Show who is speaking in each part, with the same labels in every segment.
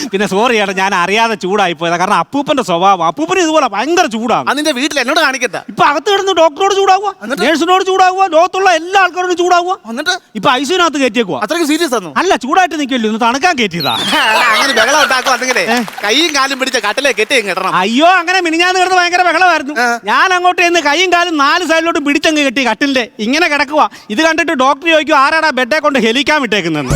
Speaker 1: പിന്നെ സോറി ചേട്ടാ, ഞാൻ അറിയാതെ ചൂടായി പോയതാ. കാരണം അപ്പൂപ്പന്റെ സ്വഭാവം, അപ്പൂപ്പന് ഇതുപോലെ ഭയങ്കര ചൂടാണ്.
Speaker 2: അതിന്റെ വീട്ടിൽ എന്നോട് കാണിക്കണ്ട.
Speaker 1: ഇപ്പൊ അകത്ത് കിടന്ന് ഡോക്ടറോട് ചൂടാവുക, നേഴ്സിനോട് ചൂടാവുക, ലോകത്തുള്ള എല്ലാ ആൾക്കാരോടും ചൂടാവുക.
Speaker 2: എന്നിട്ട്
Speaker 1: ഇപ്പൊ ഐസിനകത്ത് കയറ്റിയേക്കുക.
Speaker 2: അത്രയ്ക്ക് സീരിയസ് ആണോ?
Speaker 1: അല്ല, ചൂടായിട്ട് നിൽക്കില്ല, ഒന്ന് തണുക്കാൻ കയറ്റിയതാ.
Speaker 2: അങ്ങനെ ബഹളം ഉണ്ടാക്കും. അതെങ്കിലേ കൈയും കാലും പിടിച്ച കട്ടിലെ കെട്ടിയും കിട്ടണം.
Speaker 1: അയ്യോ, അങ്ങനെ മിനിഞ്ഞാന്ന് കിടന്ന് ഭയങ്കര ബഹളമായിരുന്നു. ഞാൻ അങ്ങോട്ട് ചെന്ന് കൈയും കാലും 4 സൈഡിലോട്ട് പിടിച്ചങ്ങ് കെട്ടി കട്ടിലിന്റെ ഇങ്ങനെ കിടക്കുക. ഇത് കണ്ടിട്ട് ഡോക്ടർ ചോദിക്കും, ആരാടാ ബെഡെ കൊണ്ട് ഹെലിക്കാൻ വിട്ടേക്കുന്നത്?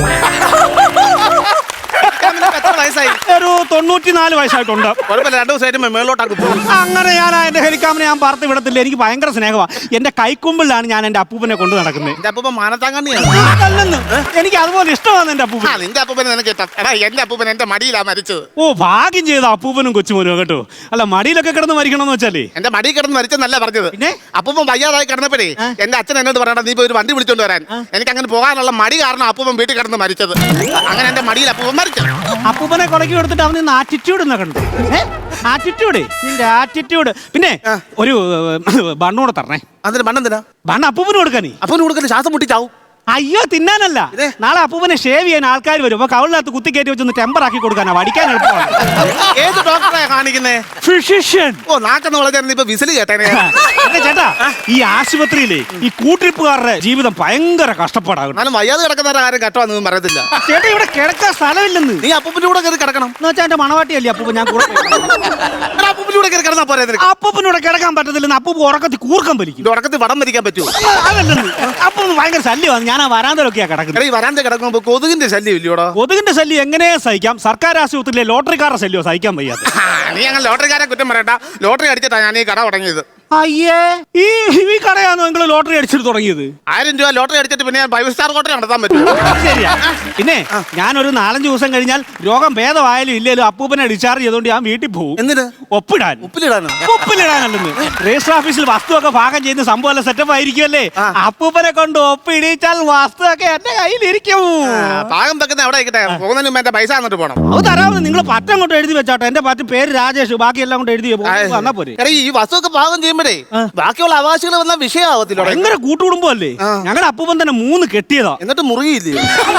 Speaker 1: ഒരു 94 വയസ്സായിട്ടുണ്ട്.
Speaker 2: കുഴപ്പമില്ല, 2 ദിവസമായിട്ട് മേളിലോട്ടാക്കി പോകും.
Speaker 1: അങ്ങനെ ഞാൻ എന്റെ ഹെലിക്കാമിനെ ഞാൻ പറത്ത് വിടത്തില്ല. എനിക്ക് ഭയങ്കര സ്നേഹമാണ്. എന്റെ കൈക്കുമ്പിലാണ് ഞാൻ എന്റെ അപ്പൂപ്പനെ കൊണ്ട് നടക്കുന്നത്.
Speaker 2: എന്റെ അപ്പൂപ്പൻ മാനത്താങ്കണ്ണിയാണ്.
Speaker 1: എനിക്ക് അതുപോലെ ഇഷ്ടമാണ് എന്റെ അപ്പൂപ്പൻ.
Speaker 2: നിന്റെ അപ്പൂപ്പനെ നിനക്ക് ഇഷ്ടം. എടാ, എന്റെ അപ്പൂപ്പൻ എന്റെ മടിയിലാ മരിച്ചത്.
Speaker 1: ഓ, ഭാഗ്യം ചെയ്ത അപ്പൂപ്പനും കൊച്ചുമോനും കേട്ടോ. അല്ല, മടിയിലൊക്കെ കിടന്ന് മരിക്കണമെന്ന് വെച്ചാലേ
Speaker 2: എന്റെ മടി കിടന്ന് മരിച്ചെന്നല്ല പറഞ്ഞത്.
Speaker 1: പിന്നെ
Speaker 2: അപ്പൂപ്പൻ വയ്യാതായി കിടന്നപ്പോഴേ എന്റെ അച്ഛൻ എന്നോട് പറയണ്ട, നീ പോയി ഒരു വണ്ടി വിളിച്ചോണ്ട് വരാൻ. എനിക്ക് അങ്ങനെ പോകാനുള്ള മടി കാരണം അപ്പൂപ്പൻ വീട്ടിൽ കിടന്ന് മരിച്ചത്. അങ്ങനെ എന്റെ മടിയിൽ അപ്പൂപ്പൻ മരിച്ചു.
Speaker 1: അപ്പൂപ്പനെ കൊലക്കി കൊടുത്തിട്ട് അവന് ആറ്റിറ്റ്യൂഡ് എന്നൊക്കെ ഉണ്ട്. ആറ്റിറ്റ്യൂഡ്, നിന്റെ ആറ്റിറ്റ്യൂഡ്. പിന്നെ ഒരു ബണ്ണൂടെ തരണേ.
Speaker 2: അതിന് മണ്ണെന്തിനാ?
Speaker 1: ബണ്ണ് അപ്പൂപ്പന് കൊടുക്കാനേ.
Speaker 2: അപ്പൂന് കൊടുക്കല് ശ്വാസം മുട്ടിച്ചാവും.
Speaker 1: അയ്യോ, തിന്നാനല്ല. നാളെ അപ്പൂപ്പനെ ഷേവ് ചെയ്യാൻ ആൾക്കാർ വരും. അപ്പൊ കവിളിനകത്ത് കുത്തി കയറ്റി വെച്ചൊന്ന് ടെമ്പർ ആക്കി കൊടുക്കാനാ, വടിക്കാൻ എളുപ്പമാണ്.
Speaker 2: ഏത് ഡോക്ടറെ കാണിക്കുന്നേ?
Speaker 1: ഫിസിഷ്യൻ.
Speaker 2: ഓ, നാക്കെന്ന് വളരാൻ ഇപ്പൊ വിസിൽ കേട്ടേനെ.
Speaker 1: ചേട്ടാ, ഈ ആശുപത്രിയിലെ ഈ കൂട്ടിരിപ്പുകാരുടെ ജീവിതം ഭയങ്കര കഷ്ടപ്പാടാകും.
Speaker 2: എന്നാലും വയ്യാതെ കിടക്കുന്നവരുടെ കാര്യം കട്ടമാണെന്ന് പറയത്തില്ല.
Speaker 1: ചേട്ടാ, ഇവിടെ കിടക്കാൻ സ്ഥലമില്ലെന്ന്.
Speaker 2: നീ അപ്പൂപ്പിന്റെ കൂടെ കയറി കിടക്കണം
Speaker 1: എന്ന് വെച്ചാൽ എന്റെ മണവാട്ടിയല്ലേ അപ്പൂപ്പ, ഞാൻ കൂടെ
Speaker 2: അപ്പൂപ്പിന്റെ കൂടെ കയറി കിടന്നാ പോരെ?
Speaker 1: അപ്പൂപ്പനൂടെ കിടക്കാൻ പറ്റത്തില്ലെന്ന്. അപ്പൂപ്പ ഉറക്കത്തിൽ കൂർക്കം വലിക്കും.
Speaker 2: ഉറക്കത്തിൽ വടം വലിക്കാൻ പറ്റുമോ?
Speaker 1: അതല്ലെന്ന്. അപ്പൂപ്പന് ഭയങ്കര ശല്യമാണ്. ഞാൻ ആ വരാന്തലൊക്കെയാ കിടക്കുന്നത്.
Speaker 2: ഈ വരാന്ത കിടക്കുമ്പോ കൊതുകിന്റെ ശല്യം ഇല്ലയോടോ?
Speaker 1: കൊതുകിന്റെ ശല്യം എങ്ങനെ സഹിക്കാം? സർക്കാർ ആശുപത്രിയിലെ ലോട്ടറിക്കാരുടെ ശല്യം സഹിക്കാൻ വയ്യാതെ.
Speaker 2: നീ അങ്ങനെ ലോട്ടറിക്കാരെ കുറ്റം പറയണ്ട. ലോട്ടറി അടിച്ചിട്ടാ ഞാൻ ഈ കട തുടങ്ങിയത്.
Speaker 1: അയ്യേ, ഈ കടയാണോ നിങ്ങൾ ലോട്ടറി അടിച്ചിട്ട് തുടങ്ങിയത്?
Speaker 2: 1000 രൂപ ലോട്ടറി അടിച്ചിട്ട് പിന്നെ ഞാൻ 5 സ്റ്റാർ ഹോട്ടൽ നടത്താൻ പറ്റും.
Speaker 1: ശരിയാ. പിന്നെ ഞാനൊരു 4-5 ദിവസം കഴിഞ്ഞാൽ രോഗം ഭേദമായാലും ഇല്ലേലും അപ്പൂപ്പനെ ഡിസ്ചാർജ് ചെയ്തോണ്ട് ഞാൻ വീട്ടിൽ പോകും.
Speaker 2: എന്തിന്?
Speaker 1: ഒപ്പിടാൻ. ഒപ്പിലിടാനല്ലെന്ന്. രജിസ്റ്റർ ഓഫീസിൽ വസ്തുവൊക്കെ ഭാഗം ചെയ്യുന്ന സംഭവം സെറ്റപ്പ് ആയിരിക്കുമല്ലേ? അപ്പൂപ്പനെ കൊണ്ട് ഒപ്പിടിച്ചാൽ വസ്തുവൊക്കെ എന്റെ കയ്യിലിരിക്കും.
Speaker 2: പാകം വെക്കുന്ന എവിടെ ആയിക്കട്ടെ, പോകുന്നതിന് മുമ്പ് എന്റെ പൈസ എന്നിട്ട് പോകണം.
Speaker 1: അത് തരാമെന്ന്. നിങ്ങൾ പറ്റം കൊണ്ട് എഴുതി വെച്ചാട്ടോ. എന്റെ പറ്റും പേര് രാജേഷ്, ബാക്കിയെല്ലാം കൊണ്ട് എഴുതി വന്നാ പോരെ.
Speaker 2: ഈ വസ്തുവൊക്കെ പാകം ചെയ്യുമ്പോഴേ ബാക്കിയുള്ള അവകാശികൾ വന്ന വിഷയമാവത്തില്ല.
Speaker 1: ഭയങ്കര കൂട്ടുകുടുംബമല്ലേ ഞങ്ങളുടെ അപ്പൂപ്പൻ തന്നെ 3 കെട്ടിയതാ.
Speaker 2: എന്നിട്ട് മുറുകിയില്ലേ?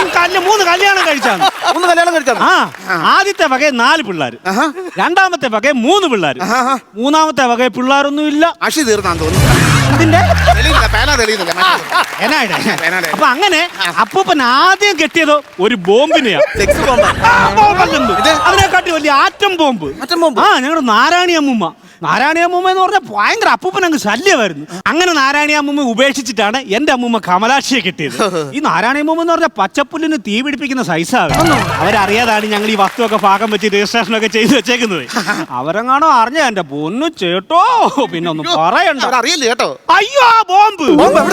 Speaker 1: 3 കല്യാണം കഴിച്ചാണ്.
Speaker 2: 3 കല്യാണം കഴിച്ചാണ്.
Speaker 1: ആദ്യത്തെ വകയെ 4 പിള്ളേർ, രണ്ടാമത്തെ വകയെ 3 പിള്ളേർ, മൂന്നാമത്തെ വകയെ പിള്ളേരൊന്നും ഇല്ല.
Speaker 2: അഷി തീർന്നാന്ന് തോന്നുന്നു.
Speaker 1: അപ്പൊ അങ്ങനെ അപ്പൂപ്പൻ ആദ്യം കെട്ടിയതോ ഒരു ബോംബിനെയാ. അതിനെക്കാട്ടി വലിയ ആറ്റം ബോംബ്. ഞങ്ങളുടെ നാരായണി അമ്മൂമ്മ എന്ന് പറഞ്ഞാൽ ഭയങ്കര അപ്പൂപ്പൻ അങ്ങ് ശല്യമായിരുന്നു. അങ്ങനെ നാരായണി അമ്മൂമ്മ ഉപേക്ഷിച്ചിട്ടാണ് എന്റെ അമ്മൂമ്മ കമലാക്ഷിയെ കിട്ടിയത്. ഈ നാരായണി അമ്മൂമ്മ എന്ന് പറഞ്ഞാൽ പച്ചപ്പുല്ലിന് തീ പിടിപ്പിക്കുന്ന സൈസാണ്. അവരറിയാതാണ് ഞങ്ങൾ ഈ വസ്തുവൊക്കെ പാകം വെച്ച് രജിസ്ട്രേഷൻ ഒക്കെ ചെയ്ത് വെച്ചേക്കുന്നത്. അവരെങ്ങാണോ അറിഞ്ഞ എന്റെ പൊന്നു ചേട്ടോ, പിന്നെ ഒന്നും പറയണ്ട.
Speaker 2: അറിയില്ല കേട്ടോ.
Speaker 1: അയ്യോ, ആ ബോംബ്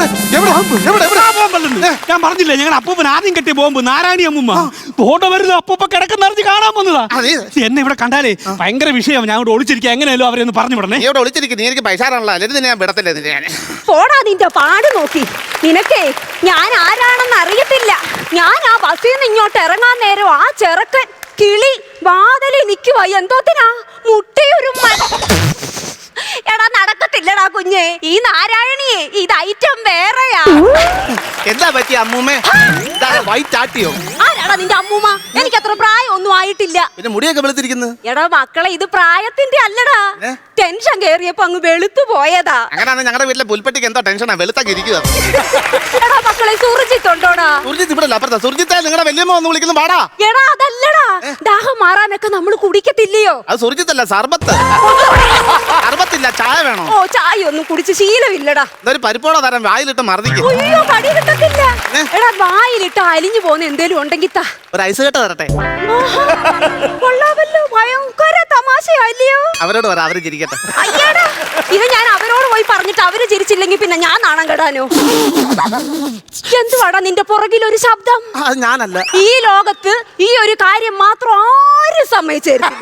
Speaker 1: ഞാൻ പറഞ്ഞില്ലേ, ഞങ്ങളുടെ അപ്പൂപ്പൻ ആദ്യം കെട്ടിയ ബോംബ് നാരായണി അമ്മൂമ്മ. തോട്ടം വരുന്ന അപ്പൂപ്പ കിടക്കുന്നറിഞ്ഞ് കാണാൻ വന്നതാ. എന്നെ ഇവിടെ കണ്ടാലേ ഭയങ്കര വിഷയം. ഞാൻ ഇവിടെ ഒളിച്ചിരിക്കുക. എങ്ങനെയല്ലോ അവരെ പറഞ്ഞു വിടണേ.
Speaker 2: ഇവിടെ ഒളിച്ചിരിക്കും. നീ എനിക്ക് പൈസ ഞാൻ വിടത്തില്ല.
Speaker 3: പോടാ, നിന്റെ പാട് നോക്കി. നിനക്കേ ഞാൻ ആരാണെന്ന് അറിയത്തില്ല. ഞാൻ ആ ബസ്സിൽ നിന്ന് ഇങ്ങോട്ട് ഇറങ്ങാൻ നേരം ആ ചെറുക്കൻ കിളി വാതിലിൽ നിൽക്കുക. എന്തോത്തിനാ? മുട്ടയൊരു എടാ, നടക്കത്തില്ലടാ കുഞ്ഞേ. ഈ നാരായണിയെ ഇത് ഐറ്റം വേറെയാ.
Speaker 2: എന്താ പറ്റിയ അമ്മൂമ്മേ? വൈറ്റ് ആട്ടിയോ?
Speaker 3: ആരാടാ നിന്റെ അമ്മൂമ്മ? എനിക്ക് അത്ര പ്രായമൊന്നും ആയിട്ടില്ല.
Speaker 2: പിന്നെ മുടിയൊക്കെ വെളുത്തിരിക്കുന്നു.
Speaker 3: എടാ മക്കളെ, ഇത് പ്രായത്തിന്റെ അല്ലടാ. ടെൻഷൻ കേറിയപ്പോ അങ്ങ് വെളുത്തു പോയതാ.
Speaker 2: അങ്ങനെയാണ് ഞങ്ങളുടെ വീട്ടിലെ പുൽപ്പെട്ടിക്ക് എന്തോ ടെൻഷനാ, വെളുത്തൊക്കെ ഇരിക്കുക.
Speaker 3: എടാ മക്കളെ, സുർജിത്ത് ഉണ്ടോടാ?
Speaker 2: സുർജിത്ത് ഇവിടെ അപ്പുറത്താ. സുർജിത്തെ നിങ്ങളുടെ വല്യമ്മ ഒന്ന് വിളിക്കുന്നു. പാടാ.
Speaker 3: എടാ അതല്ലടാ, ദാഹം മാറാനൊക്കെ നമ്മൾ കുടിക്കത്തില്ലയോ?
Speaker 2: അത് സുർജിത്തല്ല, സർബത്ത്. സർബത്തില്ല, ചായ വേണോ?
Speaker 3: ഓ, ചായ ഒന്നും കുടിച്ച് ശീലമില്ലടാ.
Speaker 2: ഇതൊരു പരിപ്പോട തരം വായിലിട്ട് മർദ്ദിക്കും.
Speaker 3: അയ്യോ, കടി കിട്ടത്തില്ല. എടാ, വായിലിട്ട് അലിഞ്ഞു പോകുന്ന എന്തേലും ഉണ്ടെങ്കിൽ താ.
Speaker 2: ഒരു ഐസ് കെട്ട് തരട്ടെ?
Speaker 3: കൊള്ളാമല്ലോ, ഭയങ്കര തമാശയല്ലയോ?
Speaker 2: അവരോട് പറ, അവര് ചിരിക്കട്ടെ.
Speaker 3: അയ്യടാ, ഇത് ഞാൻ അവരോട് പോയി പറഞ്ഞിട്ട് അവര് ചിരിച്ചില്ലെങ്കിൽ പിന്നെ ഞാൻ നാണം കെടാനോ? എന്തുവാടാ നിന്റെ പുറകിൽ ഒരു ശബ്ദം?
Speaker 2: അത് ഞാനല്ല.
Speaker 3: ഈ ലോകത്ത് ഈ ഒരു കാര്യം മാത്രം ആരും സമ്മതിച്ചായിരുന്നു.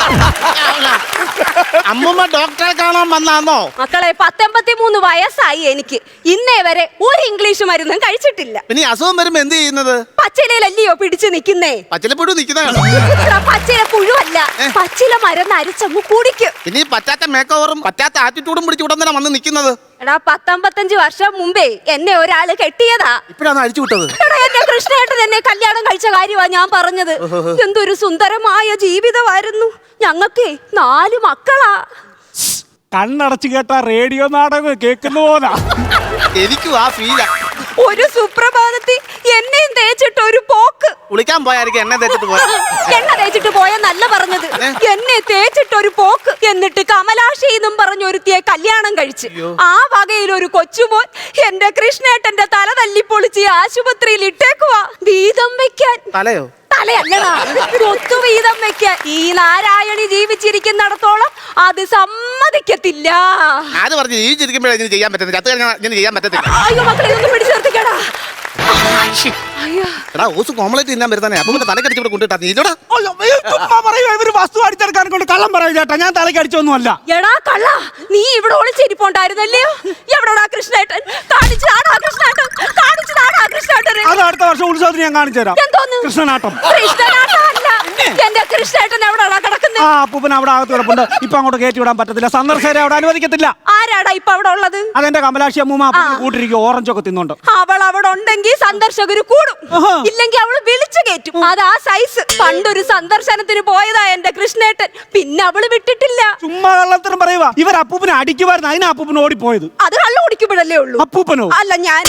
Speaker 2: അമ്മൂമ്മ ഡോക്ടറെ കാണാൻ വന്നാന്നോ?
Speaker 3: മക്കളെ, 83 വയസ്സായി എനിക്ക്. ഇന്നേ വരെ ഒരു ഇംഗ്ലീഷ് മരുന്നും കഴിച്ചിട്ടില്ല.
Speaker 2: പിന്നെ അസുഖം വരുമ്പോ എന്ത് ചെയ്യുന്നത്?
Speaker 3: പച്ചിലയിലല്ലയോ പിടിച്ചു നിക്കുന്നേ?
Speaker 2: പച്ചിലപ്പുഴു നിക്കുന്നതാണ്.
Speaker 3: പച്ചില പുഴുവല്ല, പച്ചില മരുന്ന് അരിച്ചങ്ങ് കുടിക്കും.
Speaker 2: ഇനി പറ്റാത്ത മേക്ക് ഓവറും പറ്റാത്ത ആറ്റിറ്റ്യൂഡും പിടിച്ച് ഉടൻ തന്നെ വന്ന് നിൽക്കുന്നത്.
Speaker 3: എടാ 19-55 വർഷം മുമ്പേ എന്നെ ഒരാള് കെട്ടിയതാ.
Speaker 2: ഇപ്പഴാണ് അഴിച്ചു വിട്ടത്.
Speaker 3: എടാ എന്റെ കൃഷ്ണേട്ടൻ എന്നെ കല്യാണം കഴിച്ച കാര്യമാ ഞാൻ പറഞ്ഞത്. എന്തൊരു സുന്ദരമായ ജീവിതമായിരുന്നു. ഞങ്ങൾക്കേ 4 മക്കളാ.
Speaker 1: കണ്ണടച്ചു കേട്ട റേഡിയോ നാടകം കേൾക്കുന്ന പോലാ.
Speaker 2: എനിക്കും ആ ഫീല.
Speaker 3: ഒരു സുപ്രഭാതത്തിൽ എന്നെയും തേച്ചിട്ട് ഒരു പോക്ക്.
Speaker 2: കുളിക്കാൻ പോയായിരിക്കും എണ്ണ തേച്ചിട്ട് പോയ.
Speaker 3: എണ്ണ തേച്ചിട്ട് പോയെന്നല്ല പറഞ്ഞത്, എന്നെ തേച്ചിട്ട് ഒരു പോക്ക്. എന്നിട്ട് കമലാക്ഷി എന്നും പറഞ്ഞൊരുത്തിയെ കല്യാണം കഴിച്ച് ആ വകയിൽ ഒരു കൊച്ചുമോൻ എന്റെ കൃഷ്ണേട്ടന്റെ തല തല്ലിപ്പൊളിച്ച് ആശുപത്രിയിൽ ഇട്ടേക്കുവാ വീതം വെക്കാൻ.
Speaker 2: തലയോ?
Speaker 3: തലയല്ലടാ, ഒത്തു വീതം വെക്കാൻ. ഈ നാരായണി ജീവിച്ചിരിക്കുന്നിടത്തോളം അത് സമ്മതിക്കത്തില്ല.
Speaker 2: അത് പറഞ്ഞ് ജീവിച്ചിരിക്കുമ്പോഴേ ഇങ്ങനെ ചെയ്യാൻ പറ്റുന്നത്. ചത്ത് കഴിഞ്ഞാൽ ഇങ്ങനെ ചെയ്യാൻ പറ്റത്തില്ല.
Speaker 3: അയ്യോ മക്കളെ ഇതൊന്നും പിടിച്ചു നിർത്തിക്കടാ.
Speaker 2: എടാ ഓസ് കോംപ്ലൈറ്റ് തിന്നാൻ വരുത്താനേ. അപ്പൊ തലക്കടിച്ച് ഇവിടെ കൊണ്ടിട്ടാ നീലോടാ.
Speaker 1: ഇവര് വസ്തു അടിച്ചെടുക്കാൻ കൊണ്ട് കള്ളം പറയും ചേട്ടാ. ഞാൻ തലക്ക് അടിച്ചൊന്നുമല്ല.
Speaker 3: എടാ കള്ള, നീ ഇവിടെ ഒളിച്ചിരിപ്പുണ്ടായിരുന്നല്ലയോ? എവിടെടാ കൃഷ്ണേട്ടൻ? കാണിച്ചതാടാ കൃഷ്ണേട്ടൻ, കാണിച്ചതാടാ കൃഷ്ണേട്ടൻ.
Speaker 1: അത് അടുത്ത വർഷം ഉത്സവത്തിന് ഞാൻ കാണിച്ചു തരാം.
Speaker 3: എന്തോന്ന്
Speaker 1: കൃഷ്ണനാട്ടം?
Speaker 3: കൃഷ്ണനാട്ടം അല്ല, എന്റെ കൃഷ്ണേട്ടൻ എവിടെടാ കിടക്കുന്നത്?
Speaker 1: ആ അപ്പൂപ്പൻ അവിടെ അകത്ത് കിടപ്പുണ്ട്. ഇപ്പൊ അങ്ങോട്ട് കയറ്റി വിടാൻ പറ്റത്തില്ല. സന്ദർശകരെ അവിടെ അനുവദിക്കത്തില്ല.
Speaker 3: ആരാടാ ഇപ്പൊ അവിടെ ഉള്ളത്?
Speaker 1: അതെന്റെ കമലാക്ഷി അമ്മൂമ്മ അപ്പൂപ്പന് കൂട്ടിരിക്കും. ഓറഞ്ചൊക്കെ തിന്നുണ്ട്.
Speaker 3: അവൾ അവിടെ ഉണ്ടെങ്കിൽ സന്ദർശകര് കൂടും, ഇല്ലെങ്കിൽ അവള് വിളിച്ചു കയറ്റും. അതാ സൈസ്. പണ്ടൊരു സന്ദർശനത്തിന് പോയതാ എന്റെ കൃഷ്ണേട്ടൻ, പിന്നെ അവള് വിട്ടിട്ടില്ല.
Speaker 1: ചുമ്മാ കള്ളത്തരം പറയുക. ഇവർ അപ്പൂപ്പനെ അടിക്കുമായിരുന്നു, അതിനാ അപ്പൂപ്പൻ ഓടിപ്പോയത്.
Speaker 3: അത് കള്ളു കുടിക്കുമ്പോഴല്ലേ ഉള്ളൂ.
Speaker 1: അപ്പൂപ്പനോ?
Speaker 3: അല്ല ഞാൻ.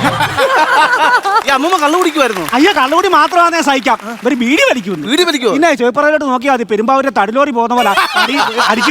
Speaker 2: ഈ അമ്മൂമ്മ കള്ളു കുടിക്കുമായിരുന്നു.
Speaker 1: അയ്യോ കള്ളുകൂടി മാത്രമാണേ സഹിക്കാം. ഇവര് ബീഡി വലിക്കുന്നു.
Speaker 2: വീട് വലിക്കോ?
Speaker 1: പിന്നെ ചോയ്പ്പറയിലോട്ട് നോക്കിയാൽ മതി. പെരുമ്പാവൂരെ തടിലോറി പോകുന്ന പോലെ അടിച്ചു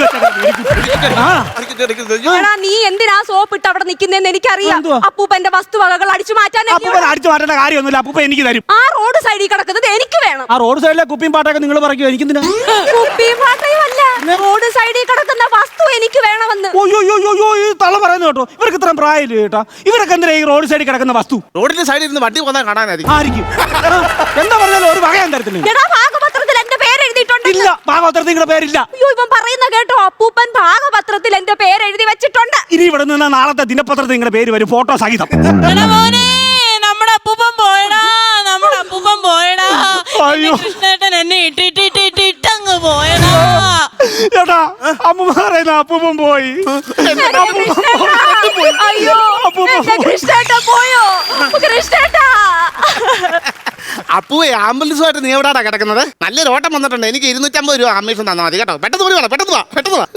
Speaker 3: എടാ, നീ എന്തിനാ സോപ്പ് ഇട്ട് അവിടെ നിൽക്കുന്നതെന്ന് എനിക്കറിയാം.
Speaker 1: എന്തുവാ?
Speaker 3: അപ്പൂപ്പന്റെ വസ്തുവകകൾ അടിച്ചു മാറ്റാൻ
Speaker 1: അപ്പൂപ്പൻ അടിച്ചു മാറ്റേണ്ട കാര്യമൊന്നുമില്ല. അപ്പൂപ്പൻ എനിക്ക് തരും.
Speaker 3: ആ റോഡ് സൈഡിൽ കിടക്കുന്നത് എനിക്ക് വേണം.
Speaker 1: ആ റോഡ് സൈഡിലെ കുപ്പിയും പാട്ടൊക്കെ നിങ്ങൾ പറയോ? എനിക്കെന്തിനാ?
Speaker 3: കുപ്പിയും പാട്ടയും അല്ല, റോഡ് സൈഡിൽ കിടക്കുന്ന വസ്തു എനിക്ക് വേണമെന്ന്.
Speaker 1: ഓയ്യോ ഈ തള പറയുന്നത് കേട്ടോ. ഇവർക്ക് ഇത്രയും പ്രായമില്ല കേട്ടാ. ഇവരൊക്കെ എന്തിനാ ഈ റോഡ് സൈഡിൽ കിടക്കുന്ന വസ്തു?
Speaker 2: റോഡിന്റെ സൈഡിൽ ഇരുന്ന് വണ്ടി പോകാൻ കാണാനായിരിക്കും.
Speaker 1: ആയിരിക്കും. എന്താ പറഞ്ഞാലും ഒരു വകയും തരത്തില്ല.
Speaker 3: എടാ, ഭാഗപത്രത്തിൽ എന്റെ പേര് എഴുതിയിട്ടുണ്ട്.
Speaker 1: ഇല്ല, ഭാഗവത്രത്തിൽ നിങ്ങളുടെ പേരില്ല.
Speaker 3: അയ്യോ, ഇവൻ പറയുന്ന കേട്ടോ. അപ്പൂപ്പൻ ഭാഗപത്രത്തിൽ എന്റെ പേര് എഴുതി വെച്ചിട്ടുണ്ട്.
Speaker 1: ഇനി ഇവിടെ നിന്ന് നാളത്തെ ദിനപത്രത്തിൽ നിങ്ങളുടെ പേര് വരും, ഫോട്ടോ സഹിതം.
Speaker 4: നമ്മുടെ അപ്പൂപ്പൻ പോയടാ, നമ്മുടെ അപ്പൂപ്പൻ പോയടാ.
Speaker 1: അയ്യോ.
Speaker 4: കൃഷ്ണേട്ടൻ എന്നെ ഇട്ടിട്ടങ്ങ് പോയടാ.
Speaker 1: ചേട്ടാ അമ്മ പറയുന്ന അപ്പൂപ്പൻ പോയി.
Speaker 3: എന്റെ കൃഷ്ണേട്ടാ. അയ്യോ, എന്റെ കൃഷ്ണേട്ടാ പോയോ? കൃഷ്ണേട്ടാ.
Speaker 2: അപ്പുവേ ആംബുലൻസുമായിട്ട് നീ എവിടാടാ കിടക്കുന്നത്? നല്ലൊരു ഓട്ടം വന്നിട്ടുണ്ട്. എനിക്ക് 250 രൂപ ആംബുലൻസ് തന്നാൽ മതി കേട്ടോ. പെട്ടെന്ന് പോയി വേണം, പെട്ടെന്ന് വാ.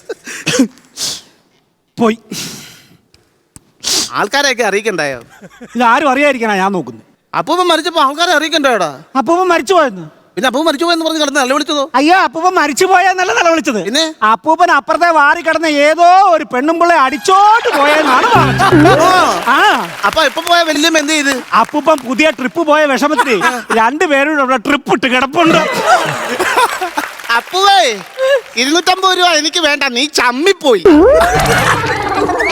Speaker 1: പോയി.
Speaker 2: ആൾക്കാരെയൊക്കെ അറിയിക്കണ്ടായോ?
Speaker 1: ഇതാരും അറിയാതിരിക്കണ ഞാൻ നോക്കുന്നു.
Speaker 2: അപ്പൂപ്പൻ മരിച്ചപ്പോ ആൾക്കാരെ അറിയിക്കണ്ടോടാ?
Speaker 1: അപ്പൂപ്പൻ മരിച്ചു പോയെന്ന്.
Speaker 2: പിന്നെ അപ്പൂപ്പൻ മരിച്ചു പോയെന്ന് പറഞ്ഞ് കിടന്ന് നല്ല വിളിച്ചതോ?
Speaker 1: അയ്യോ അപ്പൂപ്പൻ മരിച്ചു പോയെന്നല്ല നില വിളിച്ചത്.
Speaker 2: പിന്നെ
Speaker 1: അപ്പൂപ്പൻ അപ്പുറത്തെ വാരി കിടന്ന ഏതോ ഒരു പെണ്ണുമ്പിള്ളെ അടിച്ചോട്ട് പോയെന്നാണ് പറഞ്ഞത്. ആ
Speaker 2: അപ്പൊ ഇപ്പൊ പോയ വല്യമ്മ എന്ത് ചെയ്ത്?
Speaker 1: അപ്പൂപ്പൻ പുതിയ ട്രിപ്പ് പോയ വിഷമത്തിൽ 2 പേരും ഇവിടെ ട്രിപ്പ് ഇട്ട് കിടപ്പുണ്ട്.
Speaker 2: അപ്പുവേ 250 രൂപ എനിക്ക് വേണ്ട, നീ ചമ്മിപ്പോയി.